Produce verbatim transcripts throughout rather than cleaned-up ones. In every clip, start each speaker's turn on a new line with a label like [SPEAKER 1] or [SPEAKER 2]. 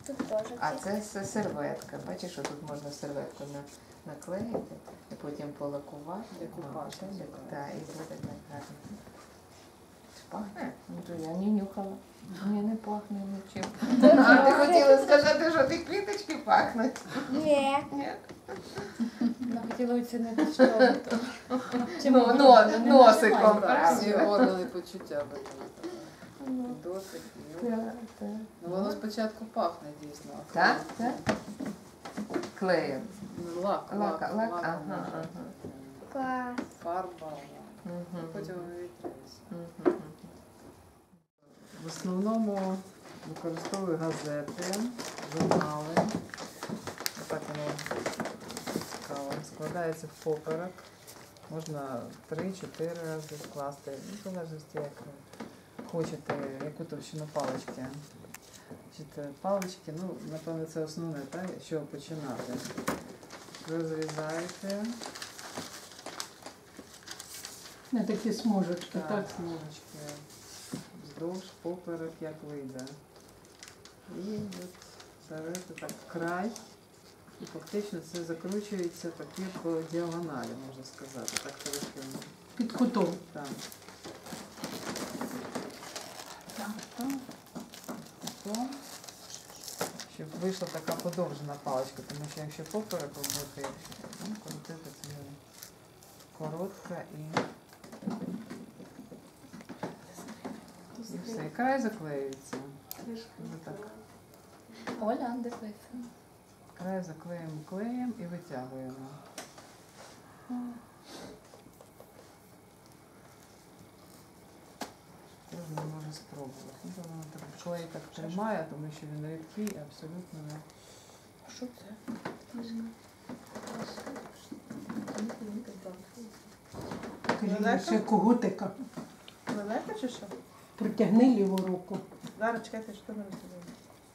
[SPEAKER 1] Тут теж.
[SPEAKER 2] А це с- серветка. Бачиш, що тут можна серветку на, наклеїти і потім полакувати.
[SPEAKER 3] Декупаж
[SPEAKER 2] Так,
[SPEAKER 3] називається.
[SPEAKER 2] так, і буде так гарно. Пахне? Ну, то я не нюхала. Ні, не пахне нічим. А ти хотіла сказати, що ті квіточки пахнуть?
[SPEAKER 1] Ні.
[SPEAKER 2] Ні.
[SPEAKER 4] Вона хотіла оцінити, що то.
[SPEAKER 2] Ну, но- носиком,
[SPEAKER 3] Так, всі
[SPEAKER 2] правда?
[SPEAKER 3] органи почуття виконати. Досить. нюх.
[SPEAKER 2] Так, так.
[SPEAKER 3] Ну, воно спочатку пахне дійсно. а
[SPEAKER 2] Так,
[SPEAKER 3] коли-
[SPEAKER 2] так. Клеєм.
[SPEAKER 3] Ну, Лак,
[SPEAKER 2] Лак,
[SPEAKER 3] лак,
[SPEAKER 2] лак,
[SPEAKER 3] лак,
[SPEAKER 2] ага,
[SPEAKER 3] може.
[SPEAKER 2] ага.
[SPEAKER 1] Клас.
[SPEAKER 3] Фарба, лак.
[SPEAKER 2] Мгм.
[SPEAKER 3] Потім вивітрюється.
[SPEAKER 2] Мгм.
[SPEAKER 3] В основному використовую газети, журнали. Отак воно цікаво. Складається в поперек. Можна три-чотири рази скласти, ну, в залежності, як ви хочете, яку товщину палички. Значить, палички, ну, напевно, це основне, так, що починати. Розрізаєте.
[SPEAKER 5] На такі смужечки,
[SPEAKER 3] Так,
[SPEAKER 5] так?
[SPEAKER 3] смужечки. Вздовж, поперек, як вийде. І от ставите так край. І фактично це закручується таки по діагоналі, можна сказати. Так трохи.
[SPEAKER 5] Під кутом.
[SPEAKER 3] Так. Так, так. Потім, щоб вийшла така подовжена паличка, тому що якщо поперек робити, якщо ну, крутити, це буде коротка і... І все, і край заклеюється. Ось так.
[SPEAKER 4] Оля, дивися.
[SPEAKER 3] Край заклеїмо клеєм і витягуємо. Кожен може спробувати. Ну, то воно так клей так тримає, тому що він рідкий, абсолютно не.
[SPEAKER 4] Що це?
[SPEAKER 5] Кажіть, ще когутика.
[SPEAKER 6] Лелека чи що?
[SPEAKER 5] Протягни ліву руку.
[SPEAKER 6] Зараз чекайте, що ми розуміємо.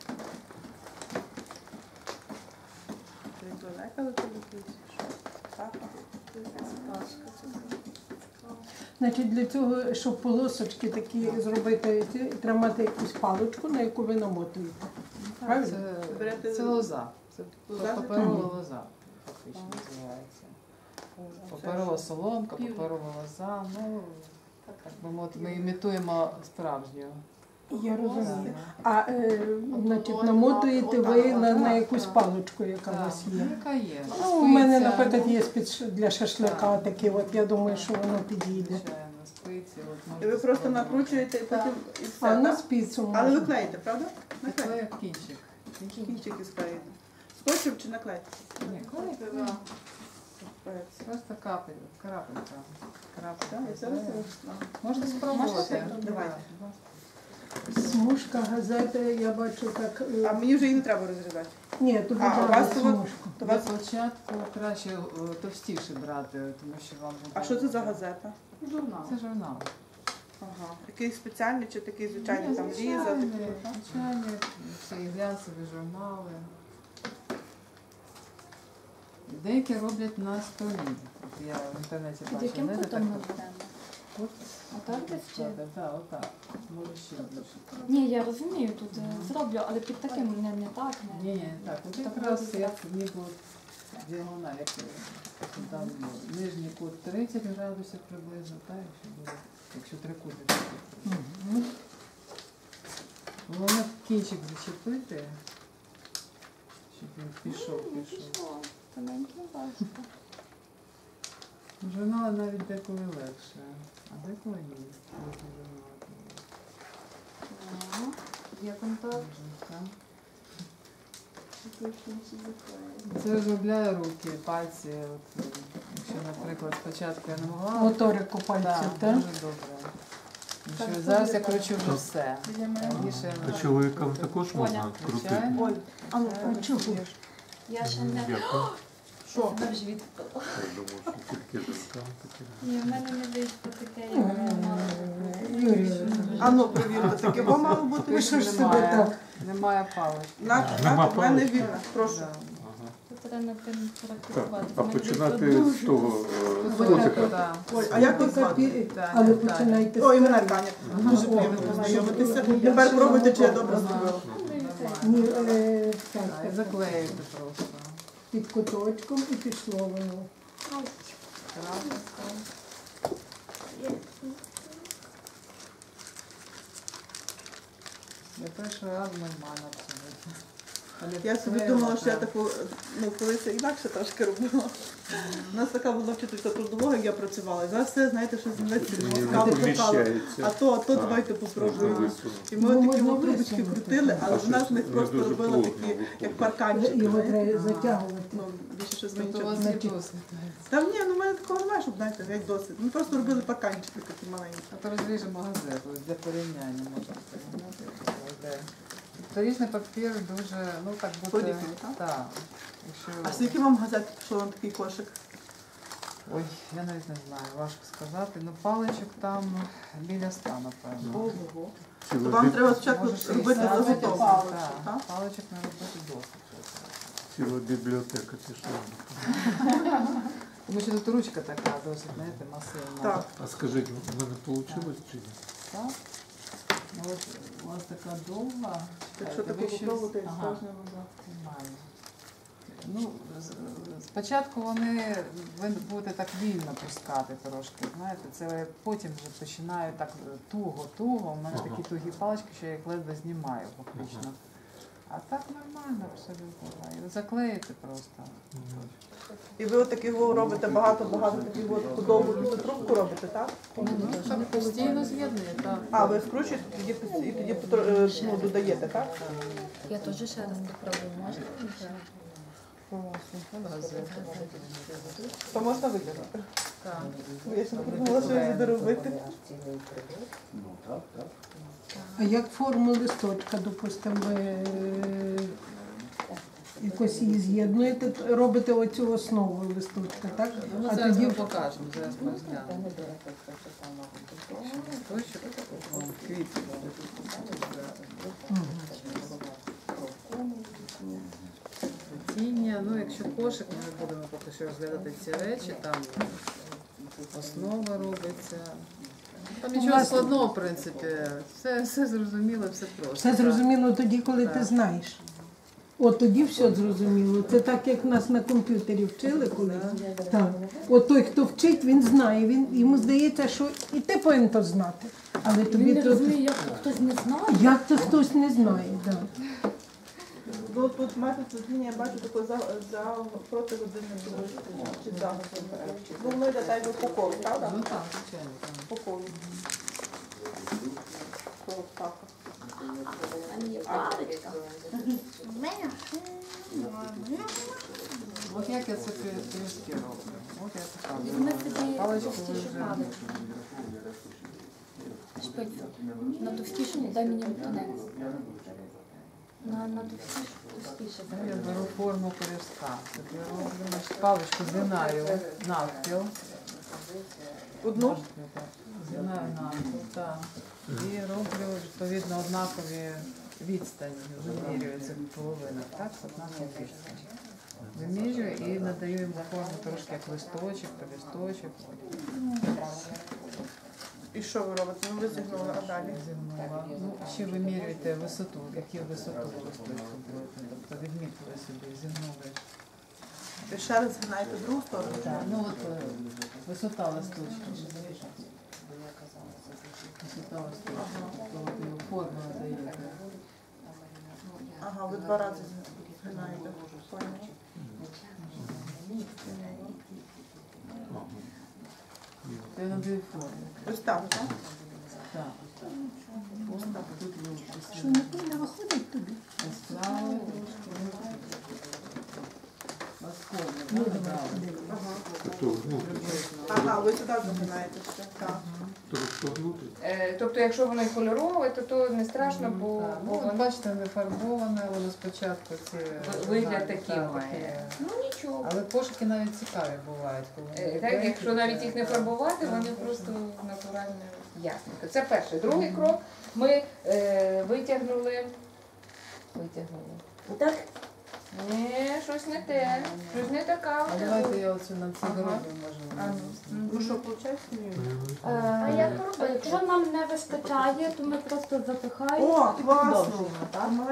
[SPEAKER 6] Ти лелека до тебе якийсь? Що? Папа? Пашка.
[SPEAKER 5] Значить, для цього, щоб полосочки такі зробити, ці, тримати якусь паличку, на яку ви намотуєте. Правильно?
[SPEAKER 3] Це,
[SPEAKER 6] Берете-
[SPEAKER 3] це лоза. Це
[SPEAKER 6] Лоза?
[SPEAKER 3] паперова
[SPEAKER 5] Мгм.
[SPEAKER 3] лоза, фактично називається. Паперова соломка, паперова лоза. Ну, так би мовити, ми імітуємо справжню.
[SPEAKER 5] Я розумію.
[SPEAKER 3] Так.
[SPEAKER 5] А е, значить, намотуєте ви на, на якусь паличку, яка у вас
[SPEAKER 3] Так,
[SPEAKER 5] є.
[SPEAKER 3] яка є.
[SPEAKER 5] Ну, у мене,
[SPEAKER 3] Спиця,
[SPEAKER 5] наприклад, є спець для шашлика такі, от я думаю, що воно підійде.
[SPEAKER 3] звичайно, спиці. От
[SPEAKER 6] І
[SPEAKER 3] можете
[SPEAKER 6] ви просто
[SPEAKER 3] спробувати.
[SPEAKER 6] накручуєте і потім і
[SPEAKER 5] А
[SPEAKER 6] все,
[SPEAKER 5] на
[SPEAKER 6] так?
[SPEAKER 5] спицю
[SPEAKER 6] Але ви
[SPEAKER 5] можна.
[SPEAKER 6] клеїте, правда?
[SPEAKER 3] Це
[SPEAKER 6] Наклеїте.
[SPEAKER 3] клей кінчик. Кінчик.
[SPEAKER 6] Кінчики склеїте. Скотчем чи наклеїте?
[SPEAKER 3] Ні, клей.
[SPEAKER 6] Клеїте.
[SPEAKER 3] Просто капель, крапелька. Крапелька.
[SPEAKER 6] Так, і зараз
[SPEAKER 3] клею.
[SPEAKER 6] я-
[SPEAKER 3] Можна спробувати.
[SPEAKER 6] Давайте.
[SPEAKER 5] Смужка газети, я бачу так. е,
[SPEAKER 6] А мені вже її не треба розрізати.
[SPEAKER 5] Ні, тут
[SPEAKER 6] А, у
[SPEAKER 5] брали
[SPEAKER 6] вас тут-
[SPEAKER 5] смужку.
[SPEAKER 6] То
[SPEAKER 3] Для
[SPEAKER 6] вас...
[SPEAKER 3] початку краще е, товстіше брати, тому що вам буде...
[SPEAKER 6] А що це за газета?
[SPEAKER 3] Журнал. Це журнал.
[SPEAKER 6] Ага. Якийсь спеціальний чи такий звичайний
[SPEAKER 3] Ні,
[SPEAKER 6] там
[SPEAKER 3] звичайний,
[SPEAKER 6] різа? такий, так?
[SPEAKER 3] звичайні, всі глянцеві журнали. Деякі роблять на столі. От я в інтернеті
[SPEAKER 4] Під
[SPEAKER 3] бачила.
[SPEAKER 4] яким
[SPEAKER 3] не
[SPEAKER 4] кутом
[SPEAKER 3] так
[SPEAKER 4] ми
[SPEAKER 3] от.
[SPEAKER 4] будемо?
[SPEAKER 3] От.
[SPEAKER 4] Отак десь чи?
[SPEAKER 3] Так, так, отак. Може ще більше.
[SPEAKER 4] Ні, я розумію, тут е, зроблю, але під таким не, не так,
[SPEAKER 3] Ні,
[SPEAKER 4] не.
[SPEAKER 3] ні, так. От
[SPEAKER 4] Так
[SPEAKER 3] якраз
[SPEAKER 4] буде
[SPEAKER 3] як ніби от діагональ, як е, там нижній кут тридцять градусів приблизно, так, якщо буде, якщо трикутник.
[SPEAKER 5] Мгм.
[SPEAKER 3] Головне кінчик зачепити, щоб він пішов, пішов.
[SPEAKER 4] Тоненький важко.
[SPEAKER 3] Журнали навіть деколи легше, а деколи ні. Можна журнали.
[SPEAKER 4] Ага. Є контакт.
[SPEAKER 3] Можна, так.
[SPEAKER 4] Такий кінчик заклеїть.
[SPEAKER 3] Це розробляє руки, пальці. От, е, якщо, наприклад, спочатку я не могла,
[SPEAKER 5] Моторику пальців,
[SPEAKER 3] так,
[SPEAKER 5] так?
[SPEAKER 3] дуже добре. Тому що зараз я кручу вже все. Раніше
[SPEAKER 7] А
[SPEAKER 3] я
[SPEAKER 7] чоловікам також можна
[SPEAKER 4] Оля.
[SPEAKER 7] крутити?
[SPEAKER 3] звичайно.
[SPEAKER 6] Ой,
[SPEAKER 5] А ну,
[SPEAKER 3] Звичайно,
[SPEAKER 5] а чого?
[SPEAKER 3] крутиш.
[SPEAKER 4] Я ще не
[SPEAKER 7] Дякую.
[SPEAKER 6] що?
[SPEAKER 4] себе в живіт впала.
[SPEAKER 7] Я думав, що тільки жінкам таке.
[SPEAKER 4] Ні, в мене не вийшло таке,
[SPEAKER 5] Ой,
[SPEAKER 4] як я мала.
[SPEAKER 5] Юрій,
[SPEAKER 6] А ну, провірте, таке бо мало бути.
[SPEAKER 5] ви що ж себе
[SPEAKER 3] Немає.
[SPEAKER 5] так?
[SPEAKER 3] Немає палички.
[SPEAKER 6] На,
[SPEAKER 7] Нема
[SPEAKER 6] на, в мене
[SPEAKER 7] палички?
[SPEAKER 6] вільно, прошу.
[SPEAKER 3] Да.
[SPEAKER 7] Ага.
[SPEAKER 4] Тут треба над тим
[SPEAKER 7] Так,
[SPEAKER 4] практикувати.
[SPEAKER 7] а
[SPEAKER 4] В мене
[SPEAKER 7] починати
[SPEAKER 4] вийшло
[SPEAKER 7] з того е, з
[SPEAKER 3] Ось
[SPEAKER 7] котика.
[SPEAKER 3] так, да.
[SPEAKER 6] Ой, а як ви звати?
[SPEAKER 5] Пі-
[SPEAKER 3] Так,
[SPEAKER 5] Але
[SPEAKER 3] так.
[SPEAKER 5] починайте з
[SPEAKER 6] Ой, мене
[SPEAKER 5] того.
[SPEAKER 6] Таня. Дуже приємно познайомитися. Тепер пробуйте, чи я добре зробила.
[SPEAKER 3] Ага.
[SPEAKER 5] Ні, е, так,
[SPEAKER 3] А, і
[SPEAKER 5] так,
[SPEAKER 3] заклеїти просто.
[SPEAKER 5] під куточком і пішло воно.
[SPEAKER 3] Крапочка. Я перший раз нормально абсолютно. Але
[SPEAKER 6] Я собі
[SPEAKER 3] склеїла,
[SPEAKER 6] думала, що я
[SPEAKER 3] так.
[SPEAKER 6] таку, ну, колись інакше трошки робила. У нас така була вчителька трудового, як я працювала. І зараз все, знаєте, що зміниться,
[SPEAKER 7] Ні,
[SPEAKER 6] мозками
[SPEAKER 7] не
[SPEAKER 6] шукала.
[SPEAKER 7] поміщається.
[SPEAKER 6] А то, а то
[SPEAKER 7] Так,
[SPEAKER 6] давайте
[SPEAKER 7] можна
[SPEAKER 6] попробуємо.
[SPEAKER 7] висунути.
[SPEAKER 6] І ми
[SPEAKER 5] Ну,
[SPEAKER 6] такі
[SPEAKER 5] можна
[SPEAKER 6] от трубочки
[SPEAKER 5] висунути.
[SPEAKER 6] крутили, але
[SPEAKER 7] А
[SPEAKER 6] вона з них
[SPEAKER 7] щось
[SPEAKER 6] просто
[SPEAKER 7] не дуже
[SPEAKER 6] робила
[SPEAKER 7] плотно
[SPEAKER 6] такі,
[SPEAKER 7] виходить.
[SPEAKER 6] як парканчики.
[SPEAKER 5] Його
[SPEAKER 6] знаєте.
[SPEAKER 5] треба
[SPEAKER 3] А.
[SPEAKER 5] затягувати.
[SPEAKER 6] Ну, більше щось
[SPEAKER 3] Тобто у
[SPEAKER 6] змінювати.
[SPEAKER 3] вас є
[SPEAKER 5] Значить-
[SPEAKER 3] досвід.
[SPEAKER 6] Та ні, ну в мене такого немає, щоб, знаєте, геть досить. Ми просто робили парканчики такі маленькі.
[SPEAKER 3] А то розріжемо газету для порівняння можна порівняти. Вторічний папір дуже, ну так бути.
[SPEAKER 6] Подібний, так?
[SPEAKER 3] Так. Якщо...
[SPEAKER 6] А скільки вам газет пішло на такий кошик?
[SPEAKER 3] Ой, я навіть не знаю, важко сказати. Ну паличок там біля ста, напевно.
[SPEAKER 6] Ого.
[SPEAKER 7] Цілу
[SPEAKER 6] То вам
[SPEAKER 7] бі-
[SPEAKER 6] треба спочатку
[SPEAKER 3] Може,
[SPEAKER 6] робити
[SPEAKER 3] шістдесят
[SPEAKER 6] заготовку.
[SPEAKER 3] паличок,
[SPEAKER 6] так?
[SPEAKER 3] так. Паличок не робити досить.
[SPEAKER 7] Ціла бібліотека пішла.
[SPEAKER 3] Тому що тут ручка така досить, знаєте, масивна.
[SPEAKER 6] Так.
[SPEAKER 7] А скажіть, в мене вийшло чи ні?
[SPEAKER 3] Так? Ну, от у вас така довга.
[SPEAKER 6] Якщо
[SPEAKER 3] Чекайте,
[SPEAKER 6] таку
[SPEAKER 3] ви щось-
[SPEAKER 6] попробувати,
[SPEAKER 3] Ага.
[SPEAKER 6] справжнього назад.
[SPEAKER 3] Нормально. Ну, з- спочатку вони ви будете так вільно пускати трошки, знаєте, це потім вже починаю так туго-туго. У мене такі тугі палички, що я їх ледве знімаю фактично. А так нормально абсолютно. І заклеїти просто.
[SPEAKER 6] І ви от таких робите багато-багато таких от худобу, і трубку робите, так?
[SPEAKER 3] Ну, так постійно з'єднує, так.
[SPEAKER 6] А, ви вкручуєте тоді пос- і тоді потро- е, ну, додаєте, так?
[SPEAKER 1] Я теж ще раз попробую, можна?
[SPEAKER 6] То можна витягнути.
[SPEAKER 3] Так.
[SPEAKER 6] Бо я ще не подумала, що я буду робити.
[SPEAKER 5] А як форму листочка, допустимо, ви е, якось її з'єднуєте, робите оцю основу листочка, так?
[SPEAKER 3] Ну,
[SPEAKER 5] А
[SPEAKER 3] зараз
[SPEAKER 5] тоді
[SPEAKER 3] ми покажемо, зараз ми розглянемо. Листочок, о, квіти. Плетіння, ну якщо кошик, ми не будемо поки що розглядати ці речі, там основа робиться. Там нічого
[SPEAKER 5] Власне.
[SPEAKER 3] складного, в принципі, все, все зрозуміло, все просто.
[SPEAKER 5] все зрозуміло тоді, коли ти
[SPEAKER 3] Так.
[SPEAKER 5] знаєш. От тоді все зрозуміло. Це так, як нас на комп'ютері вчили колись. Так. От той, хто вчить, він знає. Він, йому здається, що і ти повинен то знати. Але тобі
[SPEAKER 4] Він не
[SPEAKER 5] то...
[SPEAKER 4] розуміє, як то хтось не знає.
[SPEAKER 5] Як то хтось не знає. Так.
[SPEAKER 6] Ну, тут метод змінює, я бачу таку за, за проти годинникової стрілки, чи за годинникової. Ну, воно йде так, як по колу, правда?
[SPEAKER 3] Ну так, звичайно. так.
[SPEAKER 6] По колу. По так.
[SPEAKER 1] В мене?
[SPEAKER 3] От як я це пиріжки роблю. От я така.
[SPEAKER 4] Візьми собі
[SPEAKER 3] Паличку
[SPEAKER 4] товстішу
[SPEAKER 3] вже.
[SPEAKER 4] паличку. Шпицю. На товстішу дай мені тонець. На, на товстішу, товстіше.
[SPEAKER 3] Я беру форму пиріжка. Так я роблю, значить, паличку згинаю навпіл.
[SPEAKER 6] Одну?
[SPEAKER 3] Можете так. Згинаю навпіл, так. І роблю відповідно однакові відстані. Вимірюю це в половинах, так? Однакові відстані. Вимірюю і надаю йому форму трошки як листочок, по листочок.
[SPEAKER 6] І що ви робите? Ну, ви зігнули, а далі?
[SPEAKER 3] Зігнула. Ну, ще вимірюєте висоту, яку висоту листочку будете. Тобто відмітили собі, зігнули.
[SPEAKER 6] І ще раз згинаєте другу сторону?
[SPEAKER 3] Так, ну от е, висота листочка. Висота листочка. Тобто от його форму надаєте.
[SPEAKER 6] Ага, ви два рази згинаєте. Поняла.
[SPEAKER 3] Я надаю форму.
[SPEAKER 6] Ось так, так?
[SPEAKER 3] Так. Ось так. Тут ви
[SPEAKER 5] Що не повинна виходить тобі?
[SPEAKER 3] поставили трошки. Вас форму, так? Дали.
[SPEAKER 7] Тобто внутрі.
[SPEAKER 6] Ага, ви сюди загинаєте ще. Так.
[SPEAKER 7] Тобто внутрі.
[SPEAKER 2] Е, Тобто, якщо воно і кольорове, то то не страшно, бо,
[SPEAKER 3] Так,
[SPEAKER 2] бо
[SPEAKER 3] ну, от
[SPEAKER 2] воно
[SPEAKER 3] бачите, не фарбоване, воно спочатку ці
[SPEAKER 2] вигляд
[SPEAKER 3] знаки,
[SPEAKER 2] такий
[SPEAKER 3] так,
[SPEAKER 2] має.
[SPEAKER 3] таке.
[SPEAKER 2] Ну нічого.
[SPEAKER 3] Але кошики навіть цікаві бувають, коли
[SPEAKER 2] Е,
[SPEAKER 3] вони
[SPEAKER 2] Так,
[SPEAKER 3] біленькі,
[SPEAKER 2] якщо навіть їх не
[SPEAKER 3] так.
[SPEAKER 2] фарбувати,
[SPEAKER 3] Так.
[SPEAKER 2] вони просто натурально ясненько. Це перший. Другий крок ми е, витягнули. Витягнули.
[SPEAKER 1] Так?
[SPEAKER 2] Ні, щось не те. Щось не така.
[SPEAKER 3] А давайте я оцю на цю
[SPEAKER 2] Ага.
[SPEAKER 3] дорогу
[SPEAKER 2] А,
[SPEAKER 3] можемо.
[SPEAKER 6] Ну що, виходить? Ні.
[SPEAKER 4] А
[SPEAKER 1] як
[SPEAKER 4] Якщо нам не вистачає, то ми просто запихаємо.
[SPEAKER 6] О,
[SPEAKER 4] і
[SPEAKER 6] класно!
[SPEAKER 4] продовжуємо, так?
[SPEAKER 6] Молодець.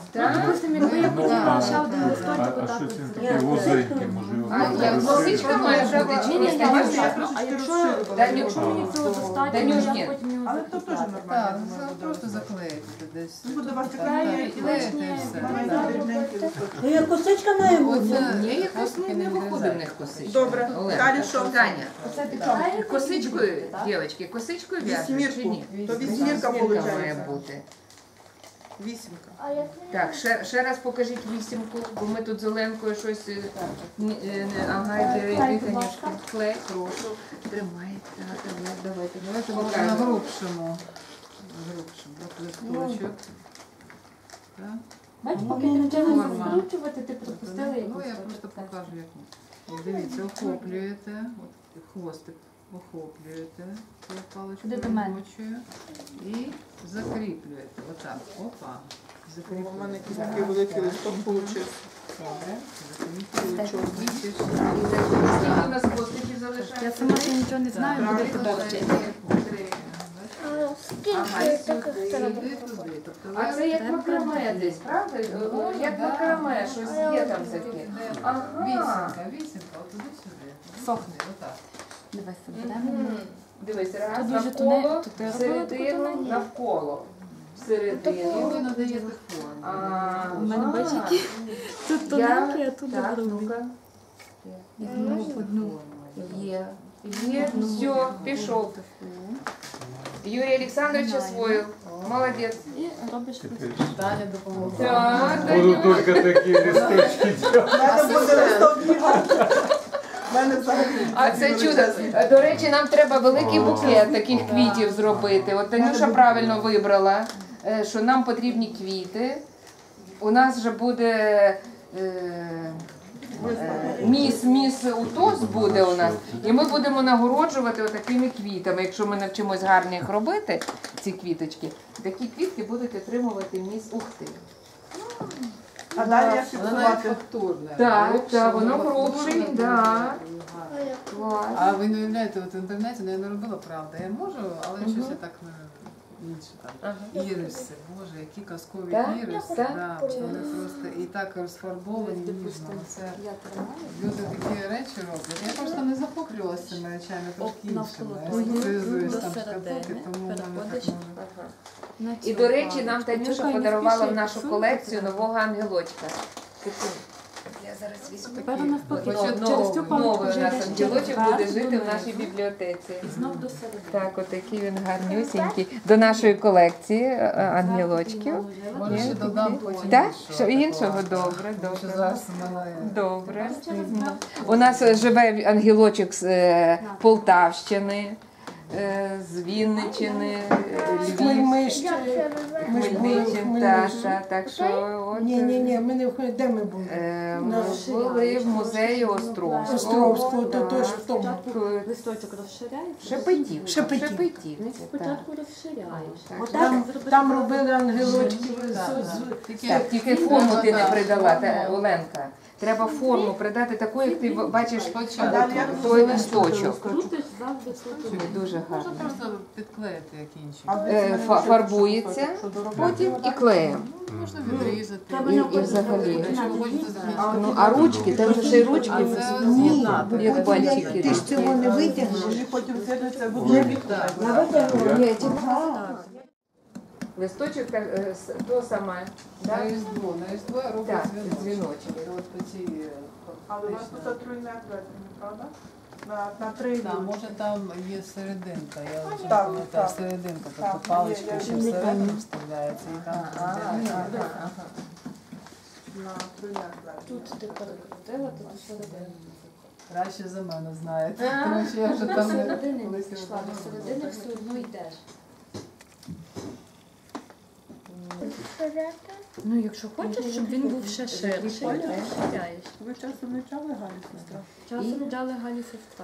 [SPEAKER 2] Так?
[SPEAKER 4] Допустим, якби я хотіла ще один
[SPEAKER 7] А,
[SPEAKER 4] листочок
[SPEAKER 7] а
[SPEAKER 4] отак
[SPEAKER 7] що
[SPEAKER 4] от
[SPEAKER 7] це
[SPEAKER 4] зробити.
[SPEAKER 7] таке вузеньке, може його
[SPEAKER 2] А як
[SPEAKER 7] розширити?
[SPEAKER 2] косичка має бути чи ні?
[SPEAKER 4] Ні, ні,
[SPEAKER 6] Бачите,
[SPEAKER 4] ні,
[SPEAKER 6] я
[SPEAKER 4] ні.
[SPEAKER 6] трошечки
[SPEAKER 4] А якщо,
[SPEAKER 6] розширювала.
[SPEAKER 2] Даню-
[SPEAKER 4] якщо мені цього достатньо, то
[SPEAKER 2] Данюшки.
[SPEAKER 4] я потім його
[SPEAKER 6] Але то теж
[SPEAKER 4] закріпляю.
[SPEAKER 6] нормально.
[SPEAKER 2] Так,
[SPEAKER 6] думаю,
[SPEAKER 2] це
[SPEAKER 6] буде.
[SPEAKER 2] просто заклеїти десь.
[SPEAKER 6] Ну, буде у вас
[SPEAKER 2] Так,
[SPEAKER 6] клеїти,
[SPEAKER 2] так, клеїти і все.
[SPEAKER 6] Маленькі,
[SPEAKER 2] Так.
[SPEAKER 6] дрібненькі листочки.
[SPEAKER 8] Ну, як косичка має бути.
[SPEAKER 2] Оце
[SPEAKER 9] Ні, якось
[SPEAKER 2] хвостики
[SPEAKER 9] не
[SPEAKER 2] не
[SPEAKER 9] виходить в
[SPEAKER 2] вирізають.
[SPEAKER 9] них косичка.
[SPEAKER 6] Добре,
[SPEAKER 9] Олена,
[SPEAKER 6] далі що?
[SPEAKER 9] Таня,
[SPEAKER 4] Оце ти
[SPEAKER 9] косичкою, дівчатки, косичкою в'яжеш чи
[SPEAKER 6] Вісьмірку.
[SPEAKER 9] ні?
[SPEAKER 6] То вісьмірка
[SPEAKER 9] Вісьмірка
[SPEAKER 6] виходить.
[SPEAKER 9] має бути.
[SPEAKER 6] Вісімка.
[SPEAKER 9] Так, ще, ще раз покажіть вісімку, бо ми тут з Оленкою щось... е, ні- е, не- Ага, йди, йди, Танюшка. Клей, прошу. Тримай. Так, давай, давайте, давайте
[SPEAKER 2] На
[SPEAKER 9] покажемо.
[SPEAKER 2] грубшому. Грубшому. От листочок. Так.
[SPEAKER 4] Бачиш, поки ти вчилася
[SPEAKER 2] Форма.
[SPEAKER 4] скручувати, ти пропустила
[SPEAKER 2] Ну,
[SPEAKER 4] якусь
[SPEAKER 2] я
[SPEAKER 4] точку.
[SPEAKER 2] просто покажу, як. От дивіться, охоплюєте, от хвостик охоплюєте, цією паличкою
[SPEAKER 4] Куди до мене?
[SPEAKER 2] робочою і закріплюєте. Отак, опа.
[SPEAKER 6] У мене якийсь
[SPEAKER 2] Закріплюєте.
[SPEAKER 6] такий великий листок вийшов.
[SPEAKER 2] Добре, закріплюєте.
[SPEAKER 9] Скільки у нас хвостиків залишається?
[SPEAKER 4] Я сама ще нічого не знаю, буду тебе вчити.
[SPEAKER 9] Ага, і сюди.
[SPEAKER 2] Туди, тобто
[SPEAKER 9] А це як макраме десь, правда? О, Як макраме, щось є там таке. Ага.
[SPEAKER 2] Вісімка, вісімка, от туди-сюди.
[SPEAKER 4] Сохне.
[SPEAKER 2] Отак.
[SPEAKER 4] Давай себе.
[SPEAKER 9] Мгм. Дивись, раз,
[SPEAKER 4] Тут дуже
[SPEAKER 9] навколо,
[SPEAKER 4] туне- тут я робила таку
[SPEAKER 9] всередину,
[SPEAKER 4] тоненьку.
[SPEAKER 9] навколо.
[SPEAKER 2] І
[SPEAKER 9] Всередину.
[SPEAKER 2] ви надаєте форму.
[SPEAKER 9] А,
[SPEAKER 4] У мене бачиш, які тут
[SPEAKER 9] Я-
[SPEAKER 4] тоненькі, а тут
[SPEAKER 9] Так,
[SPEAKER 4] грубі.
[SPEAKER 9] ну-ка.
[SPEAKER 4] Знову одну.
[SPEAKER 9] Є. Є, все, пішов. Юрій Олександрович освоїв. Молодець.
[SPEAKER 4] І робиш
[SPEAKER 7] Теперь
[SPEAKER 2] Даня допомогла.
[SPEAKER 9] Так,
[SPEAKER 7] буду
[SPEAKER 9] Данюк.
[SPEAKER 7] только такие листочки делать.
[SPEAKER 6] У мене буде листок бігати. У мене взагалі.
[SPEAKER 9] А це чудо. До речі, нам треба великий букет таких квітів зробити. От Танюша правильно вибрала, е, що нам потрібні квіти. У нас вже буде е, е, міс, міс УТОС буде у нас. І ми будемо нагороджувати отакими квітами. Якщо ми навчимось гарно їх робити, ці квіточки, такі квітки будуть отримувати міс Ухти.
[SPEAKER 6] А далі як
[SPEAKER 2] Вона навіть
[SPEAKER 6] фіксувати?
[SPEAKER 2] фактурне.
[SPEAKER 9] Так,
[SPEAKER 2] Грубше,
[SPEAKER 9] так, воно
[SPEAKER 2] фактурне,
[SPEAKER 9] грубше,
[SPEAKER 2] дуже
[SPEAKER 9] да.
[SPEAKER 2] гарно.
[SPEAKER 9] Клас.
[SPEAKER 2] А ви не уявляєте, от в інтернеті ну, я не робила, правда. Я можу, але щось я так не інше там. Іриси, боже, які казкові
[SPEAKER 9] Так?
[SPEAKER 2] іриси.
[SPEAKER 9] Так?
[SPEAKER 2] Да, вони просто і так розфарбовані ніжно. Це люди такі речі роблять. Я просто не захоплювалася цими речами, трошки іншими. Я спеціалізуюсь там шкатулки, тому в мене так може.
[SPEAKER 9] І, до речі, нам Танюша подарувала в нашу колекцію нового ангелочка. Секунду. Я зараз візьму.
[SPEAKER 4] Тепер навпаки,
[SPEAKER 9] Новий,
[SPEAKER 4] через цю паличку
[SPEAKER 9] новий у
[SPEAKER 4] вже
[SPEAKER 9] нас
[SPEAKER 4] йдеш
[SPEAKER 9] ангелочок
[SPEAKER 4] вверх,
[SPEAKER 9] буде жити в
[SPEAKER 4] донизу.
[SPEAKER 9] нашій бібліотеці.
[SPEAKER 4] І знов до середини.
[SPEAKER 9] Так, отакий він гарнюсінький. До нашої колекції е, ангелочків.
[SPEAKER 2] Може, ще додам потім
[SPEAKER 9] Так?
[SPEAKER 2] іншого
[SPEAKER 9] Що іншого?
[SPEAKER 2] такого.
[SPEAKER 9] Добре,
[SPEAKER 2] Тому що
[SPEAKER 9] добре.
[SPEAKER 2] зараз у мене
[SPEAKER 9] Добре. У нас е, живе ангелочок з е, Полтавщини, е, з Вінниччини, е, Львів,
[SPEAKER 5] Ми ж ми ж були в
[SPEAKER 9] Хмельничин. Так,
[SPEAKER 5] Хмельниччині.
[SPEAKER 9] так, так що от,
[SPEAKER 5] Ні, ні, ні, ми не в Хмельниці. Де ми були?
[SPEAKER 9] е,
[SPEAKER 5] На
[SPEAKER 9] ми були в музеї Островського.
[SPEAKER 5] Островського, то теж в тому.
[SPEAKER 4] Листочок розширяється.
[SPEAKER 9] Шепетів.
[SPEAKER 5] Шепетів.
[SPEAKER 9] Шепетів. це так.
[SPEAKER 4] Спочатку розширяєш.
[SPEAKER 5] Там, там робили ангелочки.
[SPEAKER 2] такі
[SPEAKER 9] Так, тільки форму ти не придала, та, Оленка. Треба форму придати таку, як ти бачиш
[SPEAKER 2] спочатку.
[SPEAKER 6] Далі як
[SPEAKER 9] той листочок.
[SPEAKER 4] Крутиш завжди тут.
[SPEAKER 9] Дуже
[SPEAKER 2] Можна
[SPEAKER 9] гарно.
[SPEAKER 2] просто підклеїти як інші.
[SPEAKER 6] А ви
[SPEAKER 9] Е,
[SPEAKER 6] це
[SPEAKER 9] фа-
[SPEAKER 6] мене
[SPEAKER 9] Фарбується,
[SPEAKER 6] що доробити?
[SPEAKER 9] потім і клеєм.
[SPEAKER 2] Можна відрізати.
[SPEAKER 4] Треба
[SPEAKER 9] І,
[SPEAKER 4] не
[SPEAKER 9] і взагалі.
[SPEAKER 2] Якщо ви хочете закінчити.
[SPEAKER 9] Ну, а ручки, там же ще й ручки,
[SPEAKER 2] А це
[SPEAKER 5] Ні,
[SPEAKER 2] з'єднати.
[SPEAKER 5] бо
[SPEAKER 9] як
[SPEAKER 5] потім
[SPEAKER 9] бантики.
[SPEAKER 5] як ти ж цього не витягнеш.
[SPEAKER 6] Вони потім з'єднуються в одну бік.
[SPEAKER 9] Ні, ті- листочок так, е, с- то саме.
[SPEAKER 2] На
[SPEAKER 9] Да?
[SPEAKER 2] різдво, на різдво
[SPEAKER 9] Так,
[SPEAKER 2] роблять дзвіночок.
[SPEAKER 9] дзвіночок.
[SPEAKER 2] Це от по цій, е,
[SPEAKER 6] Але у вас
[SPEAKER 2] фактично.
[SPEAKER 6] тут тройне плетення, правда? На, на три
[SPEAKER 2] Так,
[SPEAKER 6] люди.
[SPEAKER 2] може там є серединка, я вже
[SPEAKER 6] Так,
[SPEAKER 2] пам'ятаю,
[SPEAKER 6] так.
[SPEAKER 2] серединка,
[SPEAKER 6] Так,
[SPEAKER 2] тобто паличка
[SPEAKER 6] є,
[SPEAKER 2] ще
[SPEAKER 6] я
[SPEAKER 2] всередину вставляється і там.
[SPEAKER 9] А,
[SPEAKER 2] це-
[SPEAKER 9] ага.
[SPEAKER 6] На тройне плетення.
[SPEAKER 4] Тут ти перекрутила, тут до середини.
[SPEAKER 2] Краще за мене знаєте, тому що я вже
[SPEAKER 4] До
[SPEAKER 2] там не
[SPEAKER 4] середини
[SPEAKER 2] колись
[SPEAKER 4] пішла, до середини все одно йдеш. Ну, якщо хочеш, щоб він був ще ширший, то розширяєш.
[SPEAKER 6] Ви часом не чали, Галя, сестра?
[SPEAKER 4] Часом джали Галі сестра.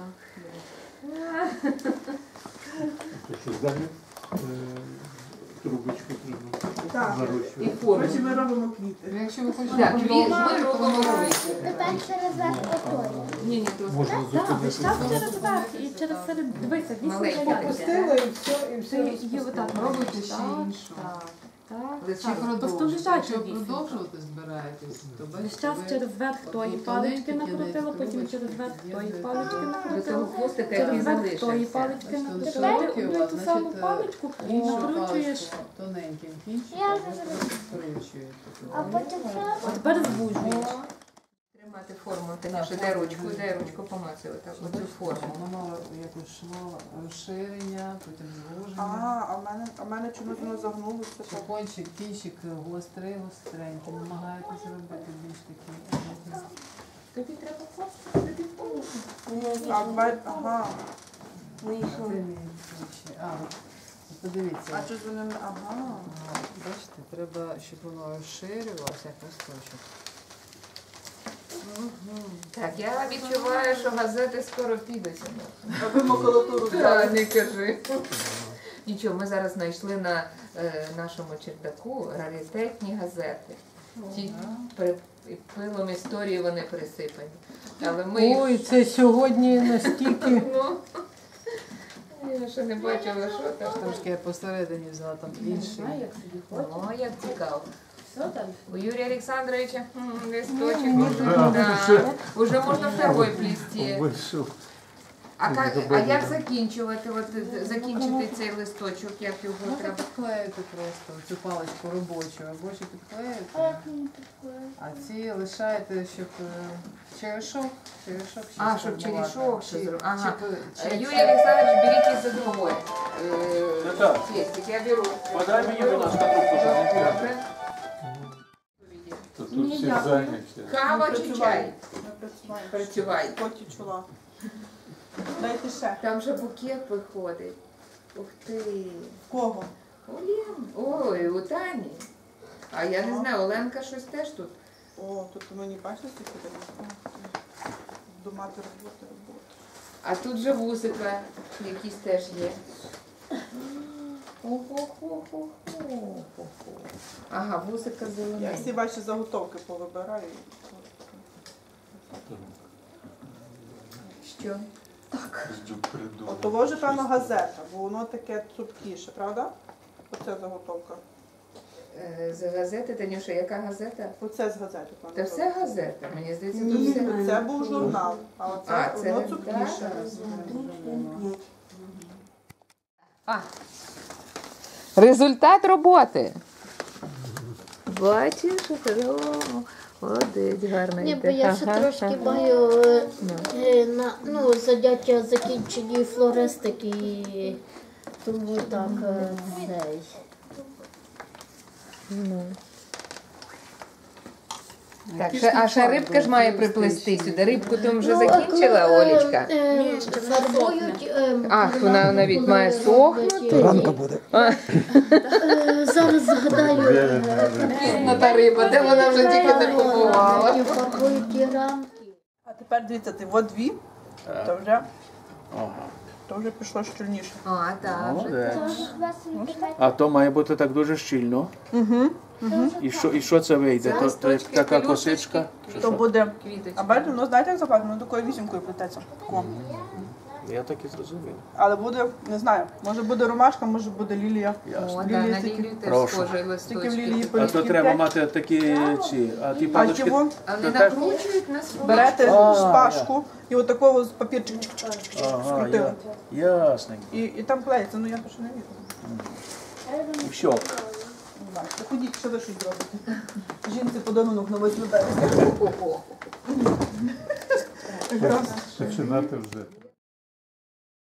[SPEAKER 7] То що далі е, трубочку треба
[SPEAKER 6] Так.
[SPEAKER 9] І
[SPEAKER 7] нарощувати.
[SPEAKER 9] форму.
[SPEAKER 6] Коротше, ми робимо квіти.
[SPEAKER 2] Ну, якщо ви хочете
[SPEAKER 9] Так, квіт ми
[SPEAKER 2] продовжити, то
[SPEAKER 9] робимо
[SPEAKER 2] можна.
[SPEAKER 9] квіти.
[SPEAKER 1] Тепер через верх отой.
[SPEAKER 9] Ні, ні, то
[SPEAKER 7] Можна
[SPEAKER 4] Так,
[SPEAKER 7] зупинити.
[SPEAKER 4] так, через верх і через серед. Дивися, вісім
[SPEAKER 9] Маленький
[SPEAKER 4] рядів.
[SPEAKER 5] Попустила і все, і все
[SPEAKER 4] Це є
[SPEAKER 5] розпустила.
[SPEAKER 4] отак.
[SPEAKER 2] Робите ще
[SPEAKER 4] Так,
[SPEAKER 2] іншу.
[SPEAKER 4] так. Так,
[SPEAKER 2] Чи
[SPEAKER 4] так. Просто
[SPEAKER 2] продовжувати?
[SPEAKER 4] лежача
[SPEAKER 2] Якщо
[SPEAKER 4] вісімка.
[SPEAKER 2] продовжувати збираєтесь, то
[SPEAKER 4] Весь
[SPEAKER 2] бачите,
[SPEAKER 4] час
[SPEAKER 2] ви
[SPEAKER 4] через верх тої
[SPEAKER 2] от
[SPEAKER 4] палички
[SPEAKER 2] тоненькі
[SPEAKER 4] накрутила,
[SPEAKER 2] кінець
[SPEAKER 4] потім
[SPEAKER 2] трубочки
[SPEAKER 4] через верх тої
[SPEAKER 2] під'єднуєте
[SPEAKER 4] палички
[SPEAKER 2] до-
[SPEAKER 9] До того
[SPEAKER 4] накрутила.
[SPEAKER 9] хвостика, який
[SPEAKER 4] Через верх тої
[SPEAKER 9] залишився.
[SPEAKER 4] палички
[SPEAKER 2] Бачите, вони
[SPEAKER 4] накрутила,
[SPEAKER 2] широкі у
[SPEAKER 4] одну і
[SPEAKER 2] вас,
[SPEAKER 4] ту саму
[SPEAKER 2] значить,
[SPEAKER 4] паличку,
[SPEAKER 2] іншу
[SPEAKER 4] накручуєш.
[SPEAKER 2] паличку тоненьким кінчиком,
[SPEAKER 1] Я
[SPEAKER 2] ви
[SPEAKER 1] вже
[SPEAKER 2] просто скручуєте.
[SPEAKER 1] А потім що?
[SPEAKER 4] А тепер звужуєш.
[SPEAKER 9] Тримати форму, Танюша, дай ручку, дай ручку, помацай отак, оцю форму.
[SPEAKER 2] Воно мало якось шло розширення, потім
[SPEAKER 6] А,
[SPEAKER 2] звуження.
[SPEAKER 6] а в мене, а в мене чомусь воно загнулося.
[SPEAKER 2] Що кончик, кінчик гострий, гостренький, намагаєтесь зробити більш такий.
[SPEAKER 9] Тобі треба хвостик, тобі форму.
[SPEAKER 6] А, в мене- ага.
[SPEAKER 2] Це мій ключі. А, от подивіться.
[SPEAKER 6] А що з ним? Ага.
[SPEAKER 2] Ага, бачите, треба, щоб воно розширювалося, як листочок.
[SPEAKER 9] Так, я відчуваю, що газети скоро підуть.
[SPEAKER 6] А ви макулатуру
[SPEAKER 9] Та,
[SPEAKER 6] взяли?
[SPEAKER 9] не кажи. Нічого, ми зараз знайшли на е, нашому чердаку раритетні газети. Ті при, пилом історії вони присипані. Але ми їх...
[SPEAKER 5] Ой, це сьогодні настільки.
[SPEAKER 9] Ну, я ще не бачила, що там.
[SPEAKER 2] Трошки я посередині взяла там інший.
[SPEAKER 9] О, як цікаво. У Юрія Олександровича м, листочок.
[SPEAKER 7] Да,
[SPEAKER 9] Да. Уже можна второй плести.
[SPEAKER 7] Вийшов.
[SPEAKER 9] А, как, а як закінчувати? От, е, закінчити цей листочок, як його
[SPEAKER 2] Ну,
[SPEAKER 9] треба?
[SPEAKER 2] підклеїти просто цю паличку робочу, робочу
[SPEAKER 1] А
[SPEAKER 2] підклеїти,
[SPEAKER 1] як мені таке?
[SPEAKER 2] а ці лишаєте, щоб е, черешок, черешок ще
[SPEAKER 9] А, щоб
[SPEAKER 2] сформувати.
[SPEAKER 9] черешок ще
[SPEAKER 2] Чи-
[SPEAKER 9] зробити. Ага.
[SPEAKER 2] чи ви-
[SPEAKER 9] Е,
[SPEAKER 2] чи-
[SPEAKER 9] Юрій Олександрович, беріть за другой.
[SPEAKER 8] Так.
[SPEAKER 9] Фестик, я беру.
[SPEAKER 8] Подай мені, будь ласка, трубку, щоб не п'яти.
[SPEAKER 9] Добре.
[SPEAKER 7] То тут всі зайняті.
[SPEAKER 9] Кава чи чай?
[SPEAKER 6] Ми працюємо.
[SPEAKER 9] Працювай.
[SPEAKER 6] Поті чула. Дайте ще.
[SPEAKER 9] Там же букет виходить. Ух ти.
[SPEAKER 6] В кого?
[SPEAKER 9] У Лен. Ой, у Тані. А я не знаю, Оленка щось теж тут.
[SPEAKER 6] О, тут мені бачите, скільки там? Думати, роботи, роботи.
[SPEAKER 9] А тут же вусика якісь теж є. Ого-го-го-го-го-го. Ага, вусика
[SPEAKER 6] Я
[SPEAKER 9] зелена.
[SPEAKER 6] всі ваші заготовки повибираю.
[SPEAKER 9] Що?
[SPEAKER 7] Ждю придумав.
[SPEAKER 6] От того ж, певно, газета, бо воно таке цупкіше, правда? Оце заготовка.
[SPEAKER 9] Е, З газети, Танюша, яка газета?
[SPEAKER 6] Оце з газети, певно.
[SPEAKER 9] Та все газета, мені здається, тут
[SPEAKER 6] Ні,
[SPEAKER 9] все.
[SPEAKER 6] це був журнал, а оце
[SPEAKER 9] А, це
[SPEAKER 6] воно
[SPEAKER 9] не
[SPEAKER 6] цупкіше.
[SPEAKER 9] А. Результат роботи. Бачиш, молодець, гарний.
[SPEAKER 1] Ні, бо я ще трошки маю е, е, на ну, заняття закінчені флористики, і тому так е, цей.
[SPEAKER 9] Так, ще, а ще рибка ж має приплести сюди. Рибку там вже
[SPEAKER 1] Ну,
[SPEAKER 9] закінчила,
[SPEAKER 1] а коли,
[SPEAKER 9] Олечка?
[SPEAKER 1] е,
[SPEAKER 4] Ні, ще не
[SPEAKER 1] Фарбують. е,
[SPEAKER 9] Ах, вона навіть має
[SPEAKER 1] коли
[SPEAKER 9] сохнути.
[SPEAKER 1] роблять,
[SPEAKER 8] Ранка буде.
[SPEAKER 1] е, Зараз згадаю. е,
[SPEAKER 9] Пізна та риба, де вона вже тільки не побувала.
[SPEAKER 1] І фарбують ті рамки.
[SPEAKER 6] А тепер дивіться, ти от дві, то вже,
[SPEAKER 8] Ага.
[SPEAKER 6] то вже пішло щільніше.
[SPEAKER 9] А, так.
[SPEAKER 8] Молодець.
[SPEAKER 1] Тож у вас в інтернеті.
[SPEAKER 8] А то має бути так дуже щільно.
[SPEAKER 6] Угу.
[SPEAKER 8] І що, і що це вийде? То, то як
[SPEAKER 9] Листочки,
[SPEAKER 8] така
[SPEAKER 9] пелюсточки.
[SPEAKER 8] косичка? Чи
[SPEAKER 6] То
[SPEAKER 8] що?
[SPEAKER 6] буде.
[SPEAKER 9] Квіточки.
[SPEAKER 6] А бачите, ну знаєте, як закладено? Такою вісімкою плететься. Тако.
[SPEAKER 8] Я так і зрозумів.
[SPEAKER 6] Але буде, не знаю, може буде ромашка, може буде лілія.
[SPEAKER 9] О,
[SPEAKER 8] Ясно.
[SPEAKER 9] да, на
[SPEAKER 6] Лілії
[SPEAKER 9] лілію теж
[SPEAKER 8] Прошу.
[SPEAKER 9] схожі
[SPEAKER 6] Тільки в лілії
[SPEAKER 9] листочки.
[SPEAKER 8] А то
[SPEAKER 6] полісків
[SPEAKER 8] треба
[SPEAKER 6] п'ять.
[SPEAKER 8] мати такі ці, а ті
[SPEAKER 6] А
[SPEAKER 8] палички.
[SPEAKER 6] чого?
[SPEAKER 9] А вони
[SPEAKER 8] То теж-
[SPEAKER 9] накручують на свою.
[SPEAKER 6] Берете
[SPEAKER 8] А,
[SPEAKER 6] шпажку і отакого з папірчик чик-чик-чик-чик
[SPEAKER 8] Ага,
[SPEAKER 6] скрутили.
[SPEAKER 8] я, ясненько.
[SPEAKER 6] І, і там клеїться, ну я то ще не вірю.
[SPEAKER 8] І все.
[SPEAKER 6] Не знаю. Та ходіть, що ви щось зробите. Жінці подарунок на восьме березня.
[SPEAKER 9] Ого.
[SPEAKER 7] Починати вже.